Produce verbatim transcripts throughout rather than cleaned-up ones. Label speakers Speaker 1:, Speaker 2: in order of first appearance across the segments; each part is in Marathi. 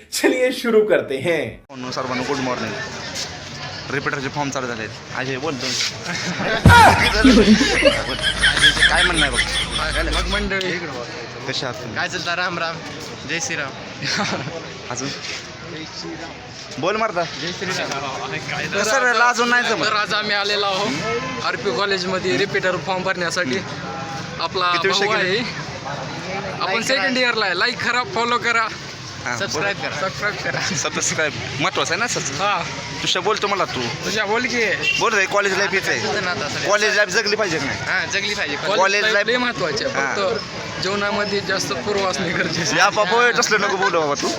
Speaker 1: चलिए शुरू करते हैं।
Speaker 2: सर्वांना गुड मॉर्निंग. रिपीटरचे फॉर्म चालू झाले. अजय बोलतो काय म्हणणार बघ.
Speaker 3: मग मंडळी
Speaker 2: कशा आहात तुम्ही?
Speaker 3: काय चालतं? राम राम, जय श्रीराम.
Speaker 2: अजून बोल मारता.
Speaker 3: जय श्रीराम.
Speaker 2: सर अजून नाही जमत.
Speaker 3: तर आज आम्ही आलेलो आहोत आर पी कॉलेजमध्ये रिपीटर फॉर्म भरण्यासाठी. आपला
Speaker 2: किती विषय
Speaker 3: भाऊ
Speaker 2: केले?
Speaker 3: आहे, आपण सेकंड इयरला आहे. लाईक करा, फॉलो करा, सबस्क्राईब करा. सबस्क्राईब करा.
Speaker 2: सबस्क्राईब महत्वाचं आहे ना सर.
Speaker 3: हा
Speaker 2: तुझ्या बोलतो मला तू
Speaker 3: तुझ्या बोल की
Speaker 2: बोल रे. कॉलेज लाईफ येत आहे. कॉलेज लाईफ जगली पाहिजे की नाही?
Speaker 3: हा जगली पाहिजे.
Speaker 2: College
Speaker 3: कॉलेज
Speaker 2: life-
Speaker 3: लाईफ लय महत्वाचे आहे. फक्त जीवनामध्ये जास्त पूर्व असणे गरजेचे.
Speaker 2: या बाबा तसलं नको बोलू बाबा तू.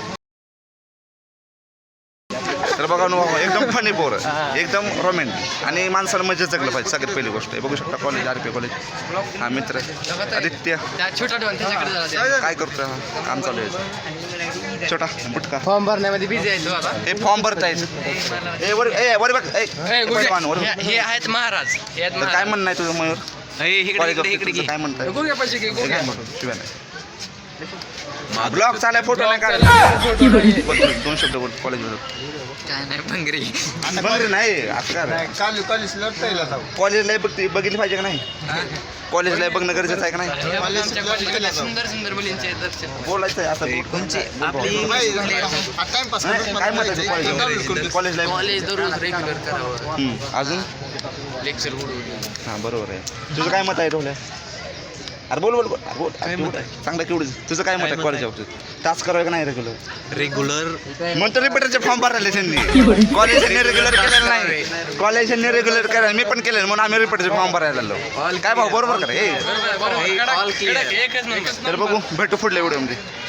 Speaker 2: तर बघा ना बाबा, एकदम फनी पोर, एकदम रोमॅन्टिक आणि माणसाला मजा जगलं पाहिजे. सगळ्यात पहिली गोष्ट आहे. बघू शकता कॉलेज, आर पी कॉलेज. हा मित्र आदित्य
Speaker 3: त्या छोटा डॉन त्याच्याकडे जरा
Speaker 2: काय करतोय? हा काम चालू आहे. छोटा बुटका
Speaker 3: फॉर्म भरण्यामध्ये बिझी आहे तो आता.
Speaker 2: हे फॉर्म भरतायत. ए वर ए वर बघ. ए,
Speaker 3: हे
Speaker 2: पैलवान, वर बघ.
Speaker 3: हे- हे आहेत महाराज. हे आहेत
Speaker 2: तर काय
Speaker 3: महाराज.
Speaker 2: म्हणणं आहे तुझं मयूर?
Speaker 3: इकडे
Speaker 2: कॉलेज
Speaker 3: इकडे इकडे
Speaker 2: काय म्हणताय?
Speaker 3: गुग्या पाहिजे की
Speaker 2: हे
Speaker 3: गुग्या.
Speaker 2: काय म्हणतो? शिवाय नाही. ब्लॉग चालाय, फोटो नाही काढ. बोल तू, दोन शब्द बोल कॉलेजमध्ये.
Speaker 3: काय नाही भंगरी.
Speaker 2: बरं नाही आता कॉलेजला बघ बघितली पाहिजे का नाही? कॉलेजला बघणं गरजेचं आहे का नाही?
Speaker 3: आमच्या कॉलेजला सुंदर सुंदर मुलींचे दर्शन.
Speaker 2: बोलायचं आहे आता.
Speaker 3: कोणचे आपली
Speaker 2: काय म्हणतात कॉलेज कॉलेज लाईफ?
Speaker 3: कॉलेज दररोज रेग्युलर करावं.
Speaker 2: अजून
Speaker 3: लेक्चर उडवून.
Speaker 2: हां बरोबर आहे. तुझं काय मत आहे ढोल्या? अरे बोल बोल बोल. अरे बोल. काय मत आहे? चांगलं केवढं तुझं काय मत आहे कॉलेज बाबतीत? टास्क करावं का नाही रेग्युलर?
Speaker 3: रेग्युलर
Speaker 2: म्हणतो रिपीटरचे फॉर्म भरले त्यांनी. कॉलेजने रेग्युलर केलेलं नाही. कॉलेजने रेग्युलर केलं, मी पण केलं म्हणून आम्ही रिपीटरचे फॉर्म भरायला लागलो. काय भाऊ बरोबर करा. ए
Speaker 3: ऑल क्लिअर. एकच नंबर.
Speaker 2: तर बघू भेटू पुढल्या व्हिडिओमध्ये.